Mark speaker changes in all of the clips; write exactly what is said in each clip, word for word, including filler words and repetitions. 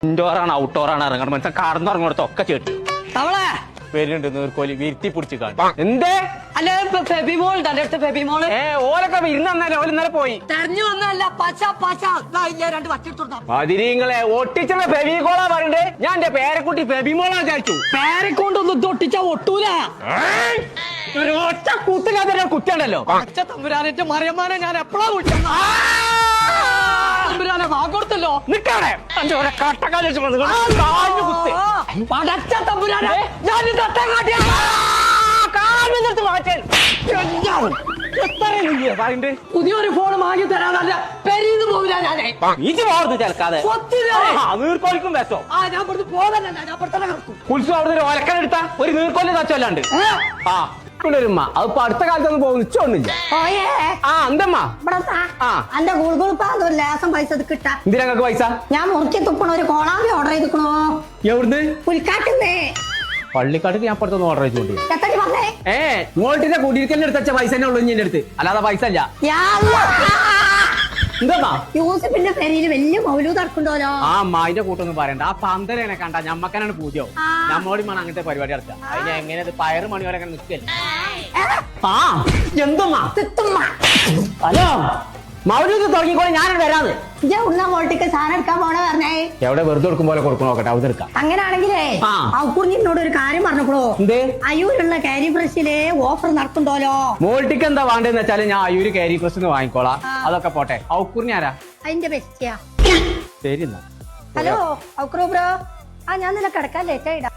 Speaker 1: ഇൻഡോറാണ് ഔട്ട്ഡോറാണ് ഇറങ്ങണം മനസ്സിലാ കടന്നിറങ്ങോടത്തൊക്കെ ചേട്ടു
Speaker 2: തവളെ
Speaker 1: വരുന്നുണ്ട് നീർക്കോലി വീഴ്ത്തി പിടിച്ച് കാണും എന്തേ
Speaker 2: അല്ല ഫെബിമോൾ തന്റെ അടുത്ത് ഫെബിമോള്
Speaker 1: ഏ ഓലൊക്കെ ഇരുന്നല്ലേ ഓല് ഇന്നലെ പോയി
Speaker 2: തെരഞ്ഞു വന്നല്ല പച്ച പച്ച രണ്ട് വച്ചിട്ടുണ്ടാ
Speaker 1: അതിരിങ്ങളെ ഒട്ടിച്ചുള്ള ഫെബികോളാ പറയണ്ടേ ഞാൻ എന്റെ പേരക്കുട്ടി ഫെബിമോളാ വിചാരിച്ചു
Speaker 2: പേരെക്കൊണ്ടൊന്നും ഇത് ഒട്ടിച്ചാ ഒട്ടൂല
Speaker 1: ഒരു ഒറ്റ കുത്തിനകത്ത് കുത്തിയുണ്ടല്ലോ
Speaker 2: പച്ച തമ്പുരാനെ മറിയമ്മാനെ ഞാൻ എപ്പോഴാ വിളിച്ചത് തമ്പുരാനെ വാഗോടുത്തല്ലോ
Speaker 1: നിക്കാണേ എന്റെ ഓരോ കട്ടക്കാലി കുത്തി
Speaker 2: പടച്ച തമ്പുരാനെ ഞാൻ പുതിയൊരു ഫോൺ വാങ്ങി തരാനല്ല പെരീന്ന് പോവില്ല ഞാനേ
Speaker 1: ഈച്ച് പോകരുത് ചേർക്കാതെ നീർക്കോലിക്കും വെച്ചോ
Speaker 2: ആ ഞാൻ പുറത്ത് പോകാൻ ഞാൻ പുറത്തന്നെ കിടക്കും
Speaker 1: ഉത്സവം അവിടെ ഒലക്കനെടുത്ത ഒരു നീർക്കോലി തച്ചല്ലാണ്ട് ആ ഉമ്മ അതിപ്പോ അടുത്ത കാലത്തൊന്നും പോകുന്നു ഇച്ചൊന്നില്ല ആ എന്തമ്മ
Speaker 3: എന്റെ ഗുൾഗുളിപ്പാന്ന് ഒരു ലേസം പൈസ കിട്ടാ
Speaker 1: എന്തിനൊക്കെ പൈസ
Speaker 3: ഞാൻ മുറിച്ച് തുപ്പണ ഒരു കോളാമ്പി ഓർഡർ ചെയ്തിക്കണോ
Speaker 1: എവിടുന്ന്
Speaker 3: പുലിക്കാട്ടുന്നേ
Speaker 1: പള്ളിക്കാട്ടിൽ ഞാൻ പുറത്തൊന്ന് ഓർഡർ ചെയ്തോണ്ടി
Speaker 3: എത്തടി പറഞ്ഞേ
Speaker 1: ഏ മോൾട്ടിന്റെ കുടിയിരിക്കലിന് എടുത്ത പൈസ തന്നെ ഉള്ളു എന്റെ അടുത്ത് അല്ലാതെ പൈസ ഇല്ല എന്താ
Speaker 3: യൂസഫിന്റെ പേരിൽ വലിയ മൗലൂദ് നടക്കണ്ടോലോ
Speaker 1: ആ അമ്മായിന്റെ കൂട്ടൊന്നും പറയണ്ട ആ പന്തലേനെ കണ്ട ഞമ്മക്കനാണ് പൂജ്യം നമ്മോടി വേണം അങ്ങനത്തെ പരിപാടി നടത്തുക അതിന് എങ്ങനെ പയറ് മണി വരെ അങ്ങനെ നിൽക്കല്ലേ ആ എന്തമ്മാ ഹലോ മൗലൂദ് തുടങ്ങിക്കോളെ ഞാനത് വരാന്ന്
Speaker 3: ഉള്ള മോൾട്ടിക്ക് സാധനം എടുക്കാൻ പോണ പറഞ്ഞേ
Speaker 1: എവിടെ വെറുതെ എടുക്കും പോലെ കൊടുക്കണോ നോക്കട്ടെ അവിടെ എടുക്കാം
Speaker 3: അങ്ങനാണെങ്കിലേ ഔക്കുറിഞ്ഞിനോട് ഒരു കാര്യം പറഞ്ഞോളൂ
Speaker 1: എന്തേ
Speaker 3: അയ്യൂരുള്ള കാരി ബ്രഷില് ഓഫർ നടക്കണ്ടോലോ
Speaker 1: മോൾട്ടിക്ക് എന്താ വേണ്ടെന്ന് വെച്ചാല് ഞാൻ അയ്യൂര് കാരി പ്രസ് വാങ്ങിക്കോളാം അതൊക്കെ പോട്ടെ ഔക്കുറിഞ്ഞ ആരാ
Speaker 3: അതിന്റെ ബെസ്റ്റിയാ
Speaker 1: ശരി എന്നാ
Speaker 3: ഹലോ ഔക്കുറു ബ്രോ ആ ഞാൻ നിന്നെ കിടക്കാൻ ലേറ്റ് ആയിടാ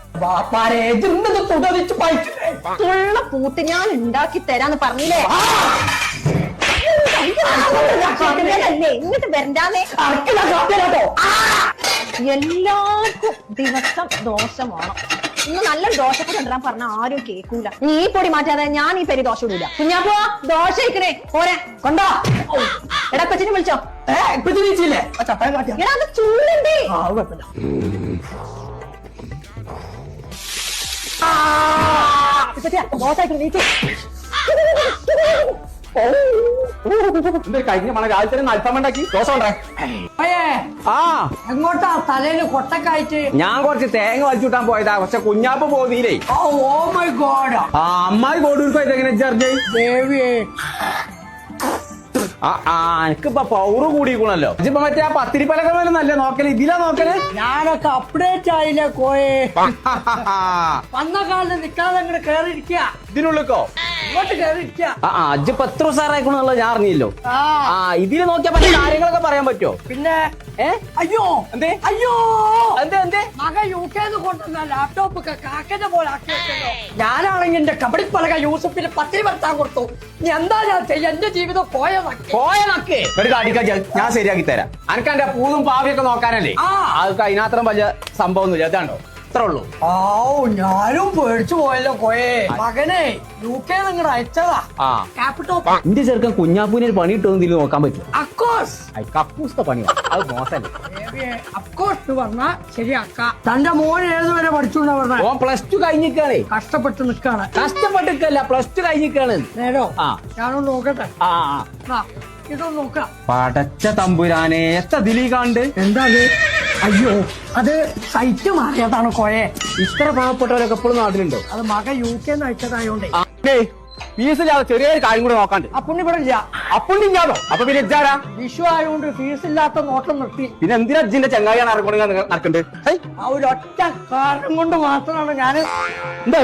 Speaker 3: പൂത്ത് ഞാൻ ഉണ്ടാക്കി തരാന്ന് പറഞ്ഞില്ലേ ഇങ്ങോട്ട് വരണ്ടാന്നേ എല്ലാവർക്കും ദിവസം ദോശമാണ് ഇന്ന് നല്ലൊരു ദോശപ്പൊടി ഉണ്ടാൻ പറഞ്ഞ ആരും കേൾക്കൂല നീ പൊടി മാറ്റാതെ ഞാൻ ഈ പെരി ദോശ ഇടൂല കുഞ്ഞാപ്പോ ദോശ ഇക്കണേ പോരെ കൊണ്ടോ എടാ കൊച്ചിനെ വിളിച്ചോ എടാ അത് ചൂടുണ്ടേ ദോശ നീച്ചു
Speaker 1: കഴിഞ്ഞ മണ രാവിലെ അൽഫാം ഉണ്ടാക്കി ദോശ ഉണ്ടാ ആ
Speaker 2: എങ്ങോട്ടാ തലയില് കൊട്ടക്കായിട്ട്
Speaker 1: ഞാൻ കുറച്ച് തേങ്ങ വലിച്ചുവിട്ടാൻ പോയതാ പക്ഷെ കുഞ്ഞാപ്പ് പോതിയില്ലേ
Speaker 2: ഓ മൈ ഗോഡ്
Speaker 1: ആ അമ്മായി കോടൂർക്ക് പോയത് എങ്ങനെ ചർച്ച
Speaker 2: ദേവിയേ
Speaker 1: ആ ആ എനിക്കിപ്പൊ പൗറ് കൂടിക്കണല്ലോ ഇപ്പൊ മറ്റേ ആ പത്തിരിപ്പലക പോലെ നല്ല നോക്കല് ഇതിലാ നോക്കല്
Speaker 2: ഞാനൊക്കെ അപ്ഡേറ്റ് ആയില്ലേ കോയെ വന്ന കാലത്ത് നിക്കാതെ അങ്ങോട്ട് കേറിയിരിക്കുക
Speaker 1: ഇതിനുള്ളിക്കോ
Speaker 2: ഇങ്ങോട്ട് കേറിയിരിക്കുക
Speaker 1: ആ ആ അജ്ജ് പത്ത് സാറായിക്കണെന്നുള്ളത് ഞാൻ അറിഞ്ഞില്ലോ ആ ഇതില് നോക്കിയാ പല കാര്യങ്ങളൊക്കെ പറയാൻ പറ്റുമോ
Speaker 2: പിന്നെ
Speaker 1: ഏ
Speaker 2: അയ്യോ
Speaker 1: എന്തേ
Speaker 2: അയ്യോ
Speaker 1: എന്തേ എന്തേ
Speaker 2: മക യു കെന്ന് കൊണ്ടുവന്ന ലാപ്ടോപ്പ് ഒക്കെ കാക്കന്റെ പോലെ ആക്കി വെച്ചല്ലോ ഞാനാണെങ്കിൽ എന്റെ കബഡിപ്പലക യൂസഫിന് പത്തിരി വരുത്താൻ കൊടുത്തു ഇനി എന്താ ഞാൻ ചെയ്യാ എന്റെ ജീവിതം പോയ
Speaker 1: പോയ നക്ക് കാട്ടിക്കാ ഞാൻ ശരിയാക്കി തരാം അനക്ക് എന്റെ പൂതും പാവിയൊക്കെ നോക്കാനല്ലേ അതൊക്കെ അതിനത്രം വലിയ സംഭവമൊന്നുമില്ല അതാണ്ടോ അത്ര ഉള്ളൂ
Speaker 2: ഓ ഞാനും പേടിച്ചു പോയല്ലോ കോയെ മകനെ യു കെ നിങ്ങൾ അയച്ചതാ
Speaker 1: ആ
Speaker 2: ലാപ്ടോപ്പ്
Speaker 1: എന്റെ ചെറുക്കൻ കുഞ്ഞാപ്പൂനെ ഒരു പണി ഇട്ടൊന്നും ഇതിൽ നോക്കാൻ പറ്റും
Speaker 2: അഫ്കോഴ്സ്
Speaker 1: കക്കൂസത്തെ പണിയാ അത് മോശല്ലേ
Speaker 2: അഫ്കോഴ്സ് പറഞ്ഞ ശരിയാക്ക തന്റെ മോൻ ഏതുവരെ പഠിച്ചു
Speaker 1: ഓൻ പ്ലസ് ടു കഴിഞ്ഞിക്കാണേ
Speaker 2: കഷ്ടപ്പെട്ട് നിക്കാണ്
Speaker 1: കഷ്ടപ്പെട്ടിക്കല്ല പ്ലസ് ടു കഴിഞ്ഞിക്കാണ്
Speaker 2: നേരോ
Speaker 1: ആ
Speaker 2: ഞാനൊന്ന് നോക്കട്ടെ
Speaker 1: ആ
Speaker 2: ആ ഇതൊന്ന് നോക്കാം
Speaker 1: പടച്ച തമ്പുരാനെ എത്ര ദിലീ കാണ്ട്
Speaker 2: എന്താ അയ്യോ അത് സൈറ്റ് മാറിയതാണ് കോയെ
Speaker 1: ഇത്ര പാവപ്പെട്ടവരൊക്കെ എപ്പോഴും നാട്ടിലുണ്ടോ
Speaker 2: അത് മക യു കെ അയച്ചതായോണ്ടേ
Speaker 1: ഫീസില്ലാതെ ചെറിയൊരു കാര്യം കൂടെ നോക്കാണ്ട്
Speaker 2: അപ്പുണ്ണി ഇവിടെ ഇല്ല
Speaker 1: അപ്പുണ്ണി ഇല്ലാതോ അപ്പൊ പിന്നെ ഇജാരാ
Speaker 2: വിഷു ആയതുകൊണ്ട് ഫീസ് ഇല്ലാത്ത നോട്ടം നിർത്തി
Speaker 1: പിന്നെ എന്തിനാ അജിന്റെ ചങ്ങായിയാണ് ഇറങ്ങുന്നത് നടക്കണ്ട്
Speaker 2: ആ ഒരു ഒറ്റ കാരണം കൊണ്ട് മാത്രമാണ് ഞാൻ
Speaker 1: എന്താ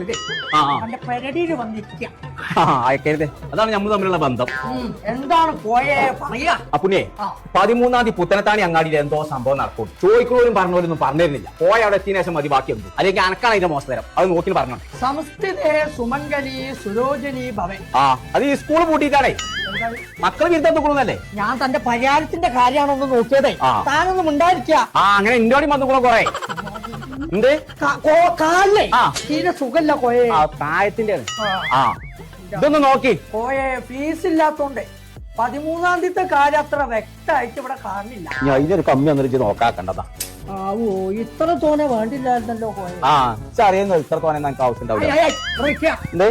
Speaker 2: എന്റെ പെരടിയിൽ വന്നിരിക്കുക
Speaker 1: അയക്കരുതേ അതാണ് നമ്മൾ തമ്മിലുള്ള ബന്ധം
Speaker 2: എന്താണ് പോയേ പറയാ
Speaker 1: അപ്പുണ്ണിയെ പതിമൂന്നാം തീയതി പുത്തനത്താണി അങ്ങാടിയിൽ എന്തോ സംഭവം നടക്കും ചോദിക്കുന്നവരും പറഞ്ഞവരൊന്നും പറഞ്ഞിരുന്നില്ല പോയ അവിടെ എത്തിയ ശേഷം മതി ബാക്കിയുണ്ട് അല്ലെങ്കിൽ അനക്കാണ് അതിന്റെ മോശം അത് നോക്കി പറഞ്ഞോ
Speaker 2: സംസ്ഥിതേ സുമംഗലി സുരോജനി ഭവൻ
Speaker 1: ആ അത് ഈ സ്കൂൾ പൂട്ടിയിട്ടാണേ മക്കൾ വിരുദ്ധം നോക്കണമെന്നല്ലേ
Speaker 2: ഞാൻ തന്റെ പരിഹാരത്തിന്റെ കാര്യമാണൊന്ന് നോക്കിയതേ താനൊന്നും ഉണ്ടായിരിക്കുക
Speaker 1: ആ അങ്ങനെ ഇന്റോടി വന്നുകൂടെ കൊറേ എന്ത്
Speaker 2: കാലിലെ തീരെ സുഖല്ല കോയെ
Speaker 1: പ്രായത്തിന്റെ ആ ഇതൊന്ന് നോക്കി
Speaker 2: കോയെ ഫീസ് ഇല്ലാത്തോണ്ട് പതിമൂന്നാം തീയതി കാര്യം അത്ര വ്യക്തമായിട്ട് ഇവിടെ കാണില്ല
Speaker 1: ഞാൻ ഇതിനൊരു കമ്മി വന്നിട്ട് നോക്കാക്കണ്ടതാ
Speaker 2: ആവോ ഇത്ര തോനെ വേണ്ടില്ലായിരുന്നല്ലോ കോയെ
Speaker 1: ആ അറിയുന്നു ഇത്ര തോനെ നമുക്ക് ആവശ്യം ഉണ്ടാവില്ല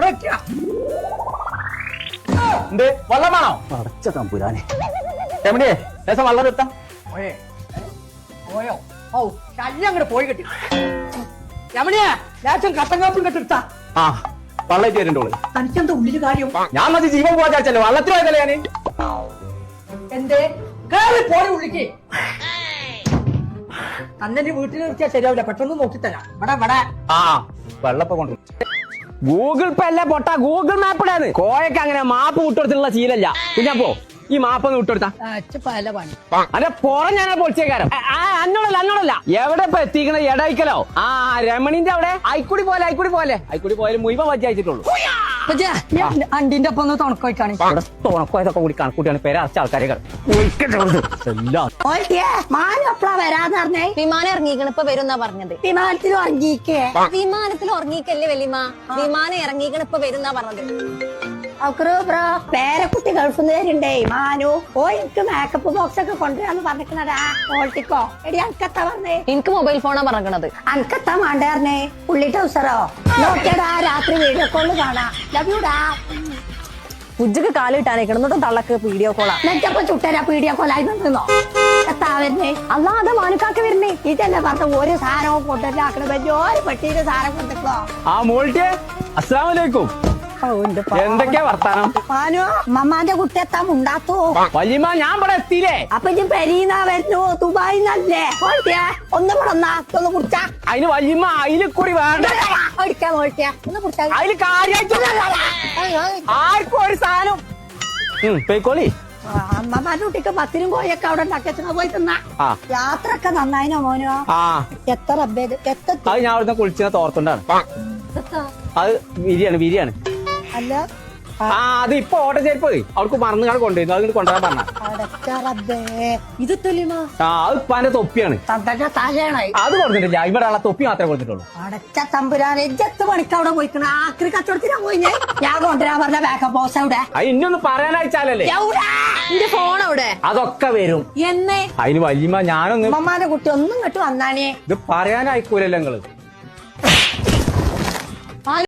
Speaker 1: എന്ത് വള്ളമാണോ അടച്ച തമ്പുരാനെ എവിടെയേ ലേശം വള്ളം എത്താം
Speaker 2: പോയോ ഓ ശല്യം അങ്ങോട്ട് പോയി കിട്ടി രമണിയാ ലേശം കട്ടൻ കാപ്പും കെട്ടിടുത്താ
Speaker 1: ആ വള്ളേറ്റ് വരുന്നുണ്ടോള്
Speaker 2: തനിക്കെന്താ ഉള്ളില് കാര്യം
Speaker 1: ഞാൻ മതി ജീവൻ പോവാ ചാച്ചല്ലോ വള്ളത്തിൽ പോയതല്ലേ ഞാന്
Speaker 2: എന്തേ കേറി പോയി ഉള്ളിക്ക് അന്നെ വീട്ടിൽ നിർത്തിയാ ശരിയാവില്ല പെട്ടെന്ന് നോക്കിത്തരാം ഇവിടെ ഇവിടെ
Speaker 1: ആ വെള്ളപ്പ കൊണ്ട് ഗൂഗിൾ പേ അല്ലേ പൊട്ടാ ഗൂഗിൾ മാപ്പിടാന്ന് കോയക്ക് അങ്ങനെ മാപ്പ് വിട്ടുകൊടുത്തിട്ടുള്ള ശീലല്ല കുഞ്ഞാപ്പോ ഈ മാപ്പ് ഒന്ന് വിട്ടുകൊടുത്താ
Speaker 2: പല പണി
Speaker 1: അതെ പുറം ഞാനാ പൊളിച്ചേക്കാരം അന്നോടല്ല അന്നോടല്ല എവിടെ ഇപ്പൊ എത്തിക്കണ എടയിക്കലോ ആ രമണിന്റെ അവിടെ അയക്കുടി പോലെ അയക്കുടി പോലെ അയക്കുടി പോയാലും മുഴുവൻ വജ്ജ അയച്ചിട്ടുള്ളൂ
Speaker 2: അണ്ടിന്റെ ഒപ്പം ഒന്ന് തുണക്കോയിക്കാണ്
Speaker 1: ഇവിടെ തുണക്കോയതൊക്കെ കൂടി കണക്കൂട്ടിയാണ് പേര് അറച്ച ആൾക്കാരെ എല്ലാം
Speaker 2: മാനം എപ്പളാ വരാന്ന് പറഞ്ഞേ
Speaker 3: വിമാനം ഇറങ്ങിക്കണ ഇപ്പൊ വരുന്നാ പറഞ്ഞത്
Speaker 2: വിമാനത്തിൽ ഉറങ്ങിക്കേ
Speaker 3: വിമാനത്തിൽ ഉറങ്ങിക്കല്ലേ വലിയമ്മ വിമാനം ഇറങ്ങിക്കണ ഇപ്പൊ വരുന്നാ പറഞ്ഞത്
Speaker 2: ബ്രോ പേരക്കുട്ടി ഗൾഫിൽ നിന്ന് വരുണ്ടേ മാനു ഓ എനിക്ക് മേക്കപ്പ് ബോക്സ് ഒക്കെ കൊണ്ടുവരാന്ന് പറഞ്ഞിരിക്കണടാ ഓൾട്ടിക്കോ എടി അനക്കത്താ പറഞ്ഞേ
Speaker 3: എനിക്ക് മൊബൈൽ ഫോണാ പറഞ്ഞത്
Speaker 2: അനക്കത്താ മാണ്ടായിരുന്നേ ഉള്ളി ടൗസറോ നോക്കിയടാ രാത്രി വീഡിയോ കോള് കാണാ ലവ് യുടാ
Speaker 3: ഉജ്ജക്ക് കാലിട്ടാനേക്കണം എന്നിട്ടും തള്ളക്ക് വീഡിയോ കോളാ
Speaker 2: നെറ്റപ്പോ ചുട്ടരാ വീഡിയോ കോളായി നിന്നോ എത്താ വരുന്നേ
Speaker 3: അല്ലാതെ മാനുക്കാക്ക് വരുന്നേ
Speaker 2: ഇതന്നെ പറഞ്ഞ ഒരു സാധനവും കൊണ്ടുവരാക്കണ വലിയൊരു പെട്ടിയില് സാധനം കൊണ്ടിട്ടോ
Speaker 1: ആ മോൾട്ടിയെ അസ്സലാമു അലൈക്കും എന്തൊക്കെയാ വർത്താനം
Speaker 2: മാനു മമ്മാന്റെ കുട്ടി എത്താൻ ഉണ്ടാത്തോ
Speaker 1: വല്യമ്മ ഞാൻ ഇവിടെ എത്തിയില്ലേ
Speaker 2: അപ്പൊ ഇജ്ജ് പെരീന്നാ വരുന്നു ദുബായിന്നല്ലേ ഓൾട്ടിയാ ഒന്ന് വിടന്നാ ഒന്ന് കുടിച്ചാ
Speaker 1: അതിന് വല്യമ്മ അതിൽ കൂടി വേണ്ട
Speaker 2: ഓടിക്കാ ഓൾട്ടിയാ ഒന്ന് കുടിച്ചാ
Speaker 1: അതില് കാര്യായിട്ട് ആർക്കും ഒരു സാധനം പേക്കോളി
Speaker 2: അമ്മമാരുടെ കുട്ടിക്ക് പത്തിനും കോയൊക്കെ അവിടെ ഉണ്ടാക്കിയ പോയി തിന്നാ
Speaker 1: ആ
Speaker 2: യാത്ര ഒക്കെ നന്നായിനോ മോനോ
Speaker 1: ആ
Speaker 2: എത്ര റബ്ബേ എത്ര
Speaker 1: അത് ഞാൻ അവിടുന്ന് കുളിച്ച തോർത്തുണ്ടാണ് അത് വിരിയാണ് വിരിയാണ്
Speaker 2: അല്ല
Speaker 1: ആ അത് ഇപ്പൊ ഓട്ട ചെരുപ്പ് അവർക്ക് മറന്നു കാണാൻ കൊണ്ടുവരുന്നു അത് കൊണ്ടുവരാൻ പറഞ്ഞ
Speaker 2: അടച്ച റബ്ബേ ഇത് തൊലിമാ
Speaker 1: ആ അത് ഇപ്പാന്റെ തൊപ്പിയാണ്
Speaker 2: തന്തന്റെ തലയാണായി
Speaker 1: അത് കൊടുത്തിട്ടില്ല ഇവിടെ ഉള്ള തൊപ്പി മാത്രമേ കൊടുത്തിട്ടുള്ളൂ
Speaker 2: അടച്ച തമ്പുരാനെ ജത്ത് പണിക്ക് അവിടെ പോയിക്കണ ആക്രി കച്ചവടത്തിനാ പോയി ഞാൻ ഞാൻ കൊണ്ടുവരാൻ പറഞ്ഞ ബാക്കപ്പ് ബോസ് അവിടെ
Speaker 1: അത് ഇന്നൊന്ന് പറയാനയച്ചാലല്ലേ
Speaker 2: എവിടെ?
Speaker 3: എന്റെ ഫോൺ അവിടെ
Speaker 1: അതൊക്കെ വരും
Speaker 2: എന്നേ
Speaker 1: അതിന് വല്യമ്മ ഞാനൊന്ന്
Speaker 2: അമ്മമാരുടെ കുട്ടി ഒന്നും ഇങ്ങോട്ട് വന്നാനേ
Speaker 1: ഇത് പറയാനായിക്കൂലല്ലോ നിങ്ങള്